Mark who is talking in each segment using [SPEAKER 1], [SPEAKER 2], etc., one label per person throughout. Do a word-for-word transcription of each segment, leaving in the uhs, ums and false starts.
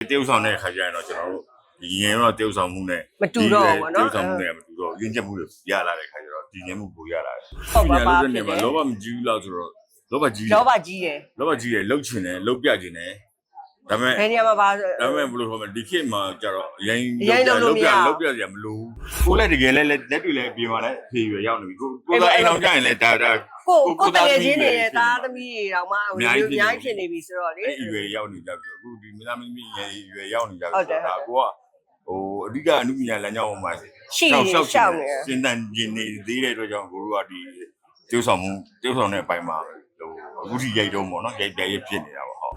[SPEAKER 1] တေးဥဆောင်တဲ့ခါကျရင်တော့ကျွန်တော်တို့ဒီရင်တော့တေးဥဆောင်မှုနဲ့
[SPEAKER 2] မတူတော့ဘူးနော်
[SPEAKER 1] တေးဥဆောင်မှုနဲ့မတူတော့ရင်းချက်မှုတွေရလာတဲ့ခါကျတော့ဒီရင်မှုကိုရလာတယ်
[SPEAKER 2] ဟုတ်ပါပါ
[SPEAKER 1] ဖြစ်နေမှာလောဘမကြီးဘူးလားဆိုတော့လောဘကြီး
[SPEAKER 2] လောဘကြီးတယ်
[SPEAKER 1] လောဘကြီးတယ်လှုပ်ချင်တယ်လှုပ်ပြချင်တယ်ဒါပေမဲ့
[SPEAKER 2] ဘယ်နေရာမှာပါ
[SPEAKER 1] ဒါပေမဲ့ဘယ်လိုခေါ်မလဲဒီခေတ်မှာကျတော့ရိုင်း
[SPEAKER 2] ရိုင်းလို့မရ
[SPEAKER 1] လှုပ်ပြစရာမလိုဘူးကိုလည်းတကယ်လည်းလက်တွေလည်းအပြင်မှာလည်းဖြေရွယ်ရောက်နေပြီကိုကိုသားအိမ်အောင်ကြရင်လည်းဒါဒါ
[SPEAKER 2] ကိုကိုတကယ်ချင်းနေတဲ့သားသမီးတွေတောင်မှဟိုအများကြီးဖြစ်နေပြီဆိုတော့လေ
[SPEAKER 1] အဲ့ရွယ်ရောက်နေကြပြီအခုဒီမိသားမင်းမင်းရွယ်ရောက်နေကြပြီဒါကိုကဟိုအဓိကအမှုပညာလမ်းကြောင်းပေါ်မှာ
[SPEAKER 2] ရှိနေရှောက်နေ
[SPEAKER 1] စင်တန်ကျင်နေသေးတဲ့အတွက်ကြောင့်ကိုတို့ကဒီကျိုးဆောင်မှုကျိုးဆောင်တဲ့အပိုင်းမှာဟိုအခုထိရိုက်တော့ပေါ့နော်ရိုက်ပြရိုက်ဖြစ်နေတာပေါ့ဟုတ်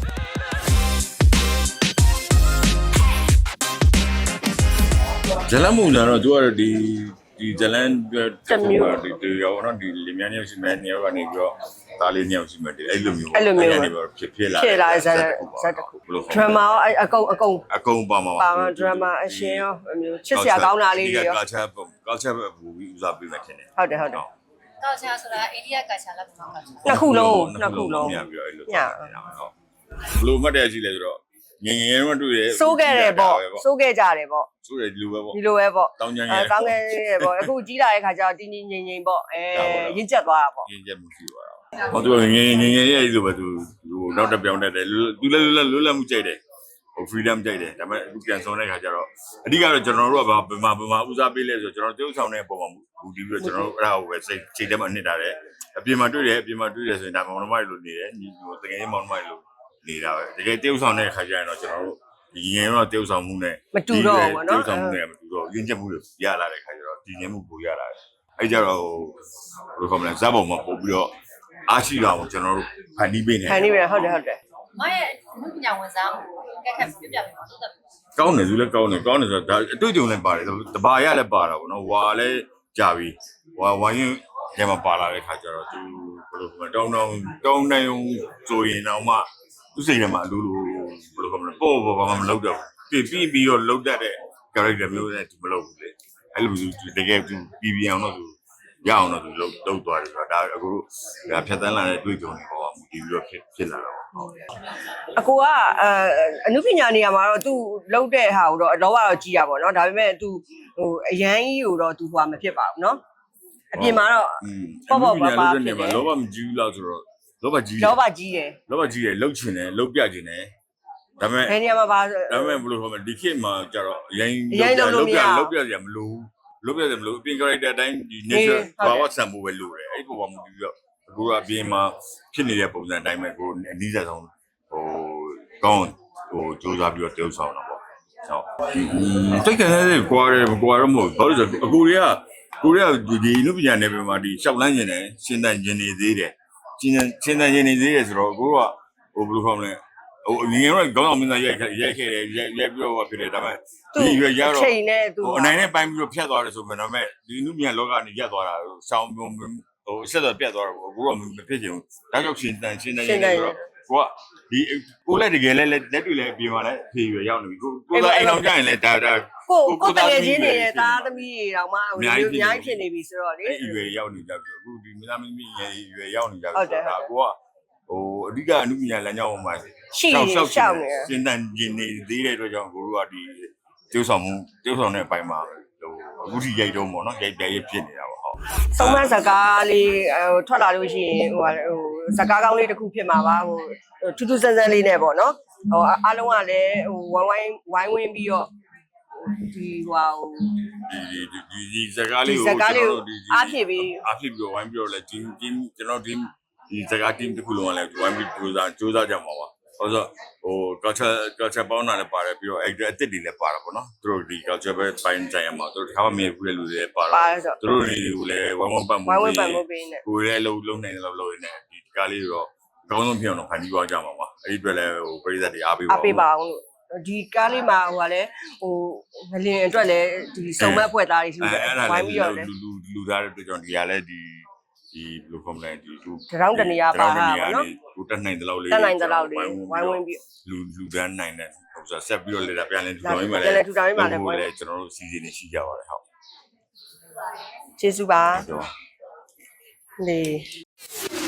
[SPEAKER 1] ဇလန်မုံကတော့သူကတော့ဒီဒီဇလန်ဒီဒီရောနော်ဒီလင်မြန်းရောက်ရှိမဲ့နေရာကနေပြီးတော့သားလေးညောင်ရှိမဲ့ဒီအဲ့လိုမျိုး
[SPEAKER 2] အဲ့လိုမျိုး
[SPEAKER 1] ဖြစ်ဖြစ်လာ
[SPEAKER 2] ဖြစ်လာဇက်ဇက်တခုဒရမာရောအကုန်အကုန်
[SPEAKER 1] အကုန်ပါမှာ
[SPEAKER 2] ပါဒရမာအရှင်ရောမျိုးချစ်စရာကောင်းတာလေးတွေရော
[SPEAKER 1] ကာချာကာချာပဲဘူပြီးဦးစားပေးမှထင်တယ်
[SPEAKER 2] ဟုတ်တယ်ဟုတ်တယ်
[SPEAKER 3] ကာချာဆိုတာအိန္ဒိယကာချာလားမြန်မာကာချာ
[SPEAKER 2] နှစ်ခုလုံးနှစ်ခုလုံး
[SPEAKER 1] ညပြီးတော့အဲ့လိုညဟုတ်ဘလို့မှတ်တယ်ရှိလဲဆိုတော့ငငယ်တော့တွေ့ရ
[SPEAKER 2] စိုးခဲ့တယ်ပေါ့စိုးခဲ့ကြတယ်ပေါ့
[SPEAKER 1] စိုးတယ်ဒီလိုပဲပေါ့
[SPEAKER 2] ဒီလိုပဲပေါ့
[SPEAKER 1] တောင်းကြမ်း
[SPEAKER 2] အဲ
[SPEAKER 1] ရဲ
[SPEAKER 2] ကောင်းခဲ့တယ်ပေါ့အခုကြီးလာတဲ့ခါကျတော့တင်းတင်းငိမ့်ငိမ့်ပေါ့အဲရင့်ကျက်သွားတာပေါ့
[SPEAKER 1] ရင်းချက်မှုရှိသွားတာဟောသူငငယ်ငငယ်ရဲ့လိုပဲသူဟိုနောက်တစ်ပြောင်းတတ်တယ်သူလည်းလွတ်လွတ်လပ်မှုကြိုက်တယ်ဟို freedom ကြိုက်တယ်ဒါပေမဲ့အခုပြန်ဆုံးတဲ့ခါကျတော့အဓိကတော့ကျွန်တော်တို့ကဘာဘယ်မှာဘယ်မှာဦးစားပေးလဲဆိုတော့ကျွန်တော်တို့ဆောင်တဲ့အပေါ်မှာဘူတီပြီးတော့ကျွန်တော်တို့အဲ့ဒါကိုပဲစိတ်ချိန်ထဲမှာနှစ်တာတယ်အပြင်မှာတွေ့တယ်အပြင်မှာတွေ့တယ်ဆိုရင်ဒါမောင်နှမတွေလိုနေတယ်ညီဟိုတကယ်မောင်နှမတွေလိုနေတာပဲတကယ်တေးဥဆောင်တဲ့ခါကျရင်တော့ကျွန်တော်တို့ဒီရင်တော့တေးဥဆောင်မှုနဲ့
[SPEAKER 2] မတူတော့ဘူးနော်
[SPEAKER 1] တေးဥဆောင်မှုနဲ့မတူတော့ရင်းချက်မှုတွေရလာတဲ့ခါကျတော့ဒီရင်မှုကိုရလာတယ်အဲ့ကြတော့ဟိုဘယ်လိုခေါ်မလဲဇာတ်ပုံမှာပို့ပြီးတော့အားရှိတာကိုကျွန်တော်တို့ဖန်တီးပေးနေ
[SPEAKER 2] ခံနေပြီဟုတ်တယ်ဟုတ်တယ်
[SPEAKER 3] မရဲ့အမှုပညာဝန်ဆောင်ကက်ခက်ပြပြပေးပါသို့တော်ပြီ
[SPEAKER 1] ကောင်းတယ်သူလည်းကောင်းတယ်ကောင်းတယ်ဆိုတော့ဒါအတွေ့အကြုံလည်းပါတယ်တဘာရလည်းပါတာပေါ့နော်ဝါလည်းကြာပြီဝါဝိုင်းရင်ထဲမှာပါလာတဲ့ခါကျတော့သူဘယ်လိုခေါ်မလဲတောင်းတောင်းတောင်းနိုင်အောင်ဆိုရင်တော့မှသူစိတ်ထဲမှာအလိုလိုဘယ်လိုခေါ်မလဲပေါ့ပေါ့ဘာမှမလုပ်တော့ဘူးပြီးပြီးတော့လုတ်တတ်တဲ့ character မျိုးနဲ့သူမလုပ်ဘူးလေအဲ့လိုသူတကယ်သူပြီးပြအောင်တော့သူရအောင်တော့သူလုတ်လုတ်သွားတယ်ဆိုတော့ဒါအခုတို့ဒါဖြတ်တန်းလာတဲ့တွေ့ကြုံတွေပေါ့မူတည်ပြီးတော့ဖြစ်ဖြစ်လာတော့ဟုတ်
[SPEAKER 2] အကိုကအဲအနုပညာနေရာမှာတော့ तू လောက်တဲ့ဟာကိုတော့အတော့ကတော့ကြီးရပါတော့ဒါပေမဲ့ तू ဟိုအရန်ကြီးကိုတော့ तू ဟိုမဖြစ်ပါဘူးเนาะအပြင်မှာတော့ပေါ့ပေါ့ပါပါဖြစ်တယ်
[SPEAKER 1] လောဘမကြီးဘူးလားဆိုတော့လောဘကြီး
[SPEAKER 2] လောဘကြီးတယ်
[SPEAKER 1] လောဘကြီးတယ်လှုပ်ချင်တယ်လှုပ်ပြချင်တယ်ဒါပေမဲ့
[SPEAKER 2] ဘယ်နေရာမှာပါ
[SPEAKER 1] ဒါပေမဲ့ဘယ်လိုခေါ်မလဲဒီခေတ်မှာကျတော့ရိုင်း
[SPEAKER 2] ရိုင်းလို့မရ
[SPEAKER 1] လှုပ်ပြစရာမလိုလှုပ်ပြစရာမလိုအပြင် character အတိုင်းဒီ nature ဘာဝဆံဖို့ပဲလိုတယ်အဲ့ပုံပေါ်မှာပြီးတော့အခုကအပြင်မှာဖြစ်နေတဲ့ပုံစံအတိုင်းပဲကိုအနည်းဆက်ဆုံးဟိုကောင်းဟိုစူးစမ်းပြီးတော့တိုးဆောင်တာပေါ့ဟုတ်စိတ်ကနေကွာတယ်ကွာတော့မဟုတ်ဘာလို့ဆိုအခုတွေကကိုရီးယားဒီလူပညာနယ်ပယ်မှာဒီရှောက်လန်းကျင်တယ်ရှင်းတန်ကျင်နေသေးတယ်ရှင်းရှင်းတန်ကျင်နေသေးတယ်ဆိုတော့အခုကဟိုဘယ်လိုခေါ်မလဲဟိုငငယ်တော့ခေါင်းအောင်မင်းသားရိုက်ရိုက်ခဲ့တယ်ရိုက်ရိုက်ပြီးတော့ဖြစ်တယ်ဒါပေမဲ့ဒီရွယ်ရတော့
[SPEAKER 2] ချိန်နဲ့ तू
[SPEAKER 1] ဟိုအနိုင်နဲ့ပိုင်းပြီးတော့ဖြတ်သွားတယ်ဆိုမှတော့မဲ့ဒီလူပညာလောကနေရက်သွားတာဆောင်းဟိုဆက်တော့ပြတ်သွားတော့အခုတော့မဖြစ်ချင်ဘူးဒါကြောင့်ရှင်းတန်ရှင်းတန်ကျင်နေဆိုတော့ကိုကဒီကိုလည်းတကယ်လည်းလက်တွေလည်းအပြင်မှာလည်းဖြေရွယ်ရောက်နေပြီကိုကိုသားအိမ်အောင်ကြရင်လည်းဒါဒါ
[SPEAKER 2] ကိုကိုတကယ်ချင်းနေတဲ့သားသမီးတွေတောင်မှဟိုအများကြီးဖြစ်နေပြီဆိုတော့လေ
[SPEAKER 1] အဲ့ရွယ်ရောက်နေကြပြီအခုဒီမိသားမင်းမင်းရွယ်ရောက်နေကြပြီဒါကိုကဟိုအဓိကအမှုပညာလမ်းကြောင်းပေါ်မှာ
[SPEAKER 2] ရှိနေရှောက်နေ
[SPEAKER 1] စင်တန်ကျင်နေသေးတဲ့အတွက်ကြောင့်ကိုတို့ကဒီကျိုးဆောင်မှုကျိုးဆောင်တဲ့အပိုင်းမှာဟိုအခုထိရိုက်တော့ပေါ့နော်ရိုက်ပြရိုက်ဖြစ်နေတာပေါ့ဟုတ်
[SPEAKER 2] သုံးမစကားလေးဟိုထွက်လာလို့ရှိရင်ဟိုဟိုစကားကောင်းလေးတစ်ခုဖြစ်မှာပါဟိုထူးထူးဆန်းဆန်းလေးနဲ့ပေါ့နော်ဟိုအားလုံးကလည်းဟိုဝိုင်းဝိုင်းဝိုင်းဝင်းပြီးတော့ဒီဟို
[SPEAKER 1] ဒီဒီဒီစကားလေးကို
[SPEAKER 2] စကားလေးကိုအားဖြစ်ပြီး
[SPEAKER 1] အားဖြစ်ပြီးဝိုင်းပြီးတော့လဲ team team ကျွန်တော် team ဒီစကား team တစ်ခုလုံးကလည်းဝိုင်းပြီးကြိုးစားကြိုးစားကြမှာပါဟုတ်ဆိုဟို culture culture ပေါင်းတာလည်းပါတယ်ပြီးတော့ actor အစ်စ်တွေလည်းပါတာပေါ့နော်သူတို့ဒီ culture ပဲပိုင်းကြရမှာသူတို့တစ်ခါမှမမြင်ဘူးလေလူတွေပါတော့သူတို့တွေကိုလည်းဝိုင်းဝန်းပတ်မှု
[SPEAKER 2] ဝိုင်းဝန်းပတ်မှုပေးနေ
[SPEAKER 1] ကိုယ်လည်းလုံးလုံးနိုင်တယ်လို့လုပ်နေတယ်ဒီကားလေးတော့အကောင်းဆုံးဖြစ်အောင်တော့ဖန်တီးသွားကြမှာပါအဲ့ဒီအတွက်လည်းဟိုပရိသတ်တွေအားပေးပါ
[SPEAKER 2] အားပေးပါအောင်လို့ဒီကားလေးမှာဟိုကလည်းဟိုငလင်အတွက်လည်းဒီစုံမက်ဖွဲ့သားတွေရှိတယ်ဝိုင်းပြီးတော့လည်း
[SPEAKER 1] လူလူလူသားတဲ့အတွက်ကြောင့်ဒီကလည်းဒီဒီဘယ်လိုခေါ်မလဲဒီလူ
[SPEAKER 2] တရောင်းတနေရာပါတာပေါ့နော်
[SPEAKER 1] ကိုတက်နိုင်တဲ့လောက်လေး
[SPEAKER 2] တက်နိုင်တဲ့လောက်လေးဝိုင်းဝန်းပြီး
[SPEAKER 1] လူလူတန်းနိုင်တဲ့ဟိုဆိုဆက်ပြီးတော့လေဒါပြန်လဲထူထောင်ရင်းမှာလဲ
[SPEAKER 2] ပြန်လဲထူထောင်ရင်းမှာလဲ
[SPEAKER 1] ဟိုလေကျွန်တော်တို့စီစဉ်နေရှိကြပါတယ်ဟုတ်
[SPEAKER 2] ကျေးဇူးပါ
[SPEAKER 1] ဟုတ်
[SPEAKER 2] လေ